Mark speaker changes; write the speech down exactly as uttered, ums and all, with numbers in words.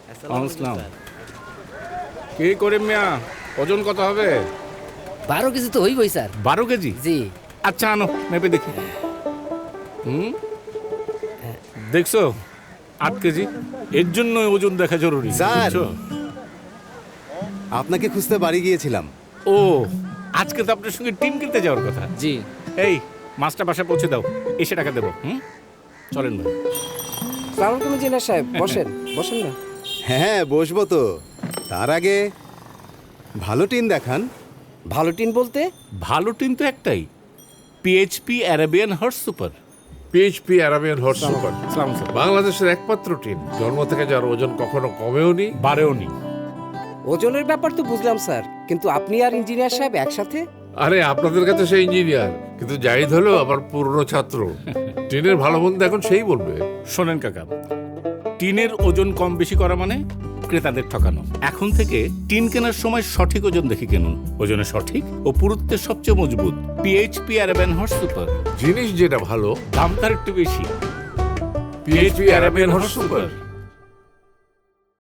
Speaker 1: আসসালাম। কি করিম মিয়া, ওজন কত হবে?
Speaker 2: বারো কেজি তো হইবই স্যার।
Speaker 1: বারো কেজি?
Speaker 2: জি।
Speaker 1: আচ্ছা আনো, মেপে দেখি। হুম, দেখছো আট কেজি। এর জন্য ওজন দেখা জরুরি।
Speaker 3: স্যার।
Speaker 1: বুঝছো?
Speaker 3: আপনাকে খুঁজতে বাড়ি গিয়েছিলাম।
Speaker 1: ও, আজকে তো আপনার সঙ্গে টিম কিনতে যাওয়ার কথা।
Speaker 2: জি।
Speaker 1: এই মাছটা বাসায় পৌঁছে দাও, এসে টাকা দেবো। হুম, চলেন ভাই।
Speaker 4: সালাম আলাইকুম ইঞ্জিনিয়ার সাহেব, বসেন বসেন না।
Speaker 3: হ্যাঁ বসবো তো, তার আগে ভালো টিন দেখান।
Speaker 4: ভালো টিন বলতে?
Speaker 1: ভালো টিম তো একটাই, PHP Arabian horse super.
Speaker 5: PHP Arabian horse super
Speaker 1: সালাম স্যার।
Speaker 5: বাংলাদেশের একমাত্র টিম জন্ম থেকে যার ওজন কখনো কমেও নি।
Speaker 1: বারেও নি।
Speaker 4: ওজনের ব্যাপার তো বুঝলাম স্যার, কিন্তু আপনি আর ইঞ্জিনিয়ার সাহেব একসাথে?
Speaker 5: আরে আপনাদের কাছে সে ইঞ্জিনিয়ার, কিন্তু জাহিদ হলো আমার পুরনো ছাত্র। টিনের ভালো মন্দ এখন সেই বলবে।
Speaker 1: শোনেন কাকা, টিনের ওজন কম বেশি করা মানে ক্রেতাদের ঠকানো। এখন থেকে টিন কেনার সময় সঠিক ওজন দেখে কিনুন। ওজনে সঠিক ও পুরুত্বের সবচেয়ে মজবুত পিএইচপি অ্যারাবিয়ান হর্স সুপার।
Speaker 5: জিনিস যেটা ভালো,
Speaker 1: দাম তার একটু বেশি।
Speaker 5: PHP Arabian horse super.